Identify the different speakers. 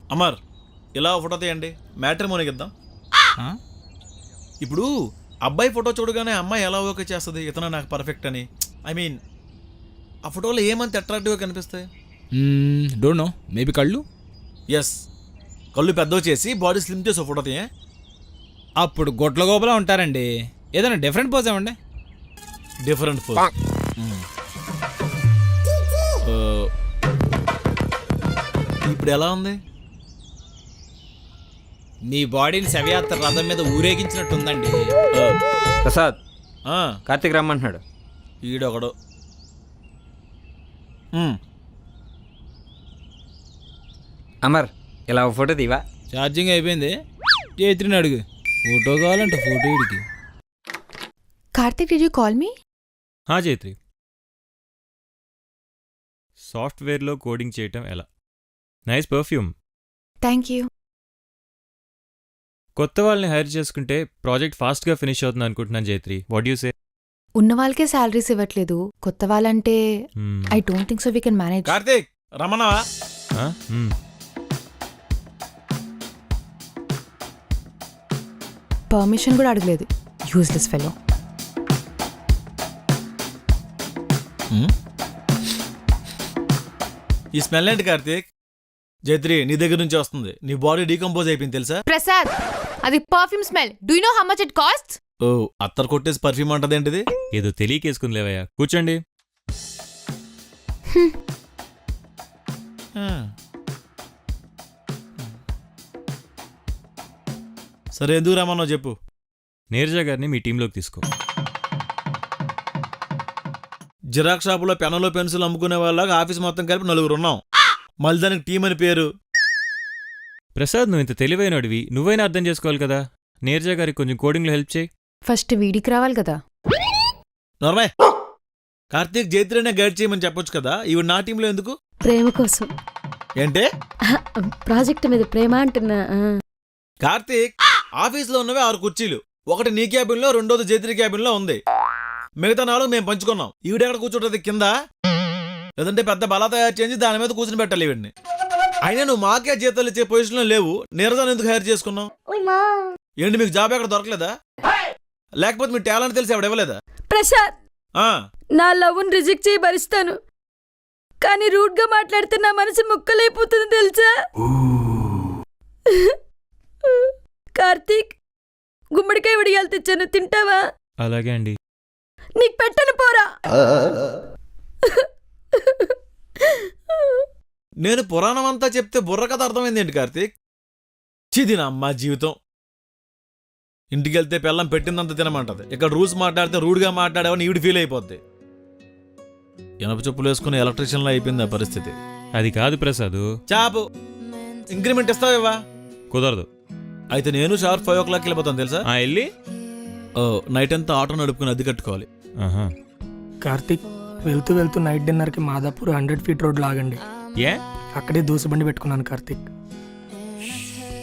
Speaker 1: అమర్ ఇలా ఫోటో తీయండి, మ్యాట్రిమోనీకి ఇద్దాం. ఇప్పుడు అబ్బాయి ఫోటో చూడగానే అమ్మాయి ఎలా ఓకే చేస్తుంది ఇతను నాకు పర్ఫెక్ట్ అని? ఐ మీన్ ఆ ఫోటోలో ఏమంత అట్రాక్టివ్గా కనిపిస్తాయి?
Speaker 2: డోంట్ నో, మేబీ కళ్ళు.
Speaker 1: ఎస్, కళ్ళు పెద్దవి చేసి బాడీ స్లిమ్ చేసి ఫోటో తీయ.
Speaker 2: అప్పుడు గొట్ల గోపలా ఉంటారండి. ఏదైనా డిఫరెంట్ పోజ్ ఏమండి?
Speaker 1: Different photo. ఇప్పుడు ఎలా ఉంది?
Speaker 2: మీ బాడీని శవయాత్ర రథం మీద ఊరేగించినట్టుందండి.
Speaker 3: ప్రసాద్, కార్తీక్ రమ్మంటున్నాడు.
Speaker 1: ఈడొకడు.
Speaker 3: అమర్, ఇలా ఒక ఫోటో తీవా?
Speaker 2: ఛార్జింగ్ అయిపోయింది, చేతిని అడుగు. ఫోటో కావాలంట ఫోటో ఇడికి.
Speaker 4: Karthik, did you call me?
Speaker 5: Jaitri, సాఫ్ట్వేర్లో కోడింగ్ చేయటం ఎలా? Nice perfume.
Speaker 4: Thank you.
Speaker 5: కొత్త వాళ్ళని హైర్ చేసుకుంటే ప్రాజెక్ట్ ఫాస్ట్గా ఫినిష్ అవుతుంది అనుకుంటున్నాను జైత్రి. What you say?
Speaker 4: ఉన్న వాళ్ళకే శాలరీస్ ఇవ్వట్లేదు, కొత్త వాళ్ళంటే I don't think so we can manage.
Speaker 1: Karthik రమణవా?
Speaker 4: పర్మిషన్ కూడా అడగలేదు, యూజ్లెస్ ఫెలో.
Speaker 1: ఈ స్మెల్ ఏంటి కార్తీక్? జైత్రి నీ దగ్గర నుంచి వస్తుంది. నీ బాడీ డీకంపోజ్ అయిపోయింది తెలుసా?
Speaker 4: ప్రసాద్, అది perfume smell. Do you know how much it cost?
Speaker 1: ఓ, అత్తర్ కొట్టేసి పర్ఫ్యూమ్ అంటది ఏంటిది?
Speaker 5: ఏదో తెలియకేసుకుని లేవయ్యా, కూర్చోండి.
Speaker 1: సరే, ఎందుకు రమ్మనో చెప్పు.
Speaker 5: నీరజ గారిని మీ టీంలోకి తీసుకో.
Speaker 1: జిరాక్స్ షాపులో పెన్నులో పెన్సిల్ అమ్ముకునే వాళ్ళగా ఆఫీస్ మొత్తం కలిపి 4 ఉన్నాం. మళ్ళీ దానికి టీం అని పేరు.
Speaker 5: ప్రసాద్, నువ్వు ఇంత తెలివైనడివి, నువ్వైనా అర్థం చేసుకోవాలి కదా. నీరజ గారికి కొంచెం కోడింగ్లో హెల్ప్ చేయి.
Speaker 4: ఫస్ట్ వీడికి రావాలి కదా.
Speaker 1: నర్మయ్, కార్తీక్ జైత్రినే గైడ్ చేయమని చెప్పొచ్చు కదా. ఇవి నా టీంలో ఎందుకు?
Speaker 6: ప్రేమ కోసం.
Speaker 1: ఏంటే?
Speaker 6: ప్రాజెక్ట్ మీద ప్రేమ అంటున్నా.
Speaker 1: కార్తీక్, ఆఫీస్లో ఉన్నవే 6 కుర్చీలు. ఒకటి నీ క్యాబిన్లో, రెండోది జైత్రి క్యాబిన్లో ఉంది. మిగతా 4 మేము పంచుకున్నాం. ఈవిడెక్కడ కూర్చుంటది? కింద. లేదంటే పెద్ద బలా తయారు చేసి దాని మీద కూర్చుని పెట్టాలి ఈవిడ్ని. అయినా నువ్వు మాకే జీతాలు ఇచ్చే పొజిషన్లో లేవు. నీరజాన్ని ఎందుకు హైర్ చేసుకున్నావు? ఏంటి, మీకు జాబ్ ఎక్కడ దొరకలేదా? లేకపోతే మీ టాలెంట్ తెలిసి ఎవడ ఇవ్వలేదా?
Speaker 6: ప్రసాద్, నా లవ్ని రిజెక్ట్ చేయి భరిస్తాను, కానీ రూట్ గా మాట్లాడితే నా మనసు ముక్కలైపోతుంది తెలుసా? కార్తీక్, గుమ్మడికాయ విడియాలు తెచ్చాను, తింటావా?
Speaker 5: అలాగే అండి.
Speaker 6: నీకు పెట్టను పోరా.
Speaker 1: నేను పురాణం అంతా చెప్తే బుర్ర కథ అర్థమైంది ఏంటి కార్తీక్? చిది నా అమ్మ జీవితం. ఇంటికెళ్తే పిల్లం పెట్టిందంత తినమంటది. ఇక్కడ రూల్స్ మాట్లాడితే రూడ్గా మాట్లాడేవని ఈవిడ ఫీల్ అయిపోద్ది. ఎనప చెప్పులు వేసుకుని ఎలక్ట్రీషియన్లో అయిపోయింది ఆ పరిస్థితి.
Speaker 5: అది కాదు ప్రసాద్.
Speaker 1: చాపు, ఇంక్రిమెంట్ ఇస్తావేవా?
Speaker 5: కుదరదు.
Speaker 1: అయితే నేను షార్ప్ 5 o'clock వెళ్ళిపోతాను తెలుసా?
Speaker 5: వెళ్ళి
Speaker 1: నైట్ అంతా ఆటో నడుపుకుని అద్దె కట్టుకోవాలి.
Speaker 7: కార్తీక్, వెళ్తూ వెళ్తూ నైట్ డిన్నర్కి మాదాపూర్ 100 feet రోడ్ లాగండి.
Speaker 5: ఏ?
Speaker 7: అక్కడే దోశ బండి పెట్టుకున్నాను కార్తీక్.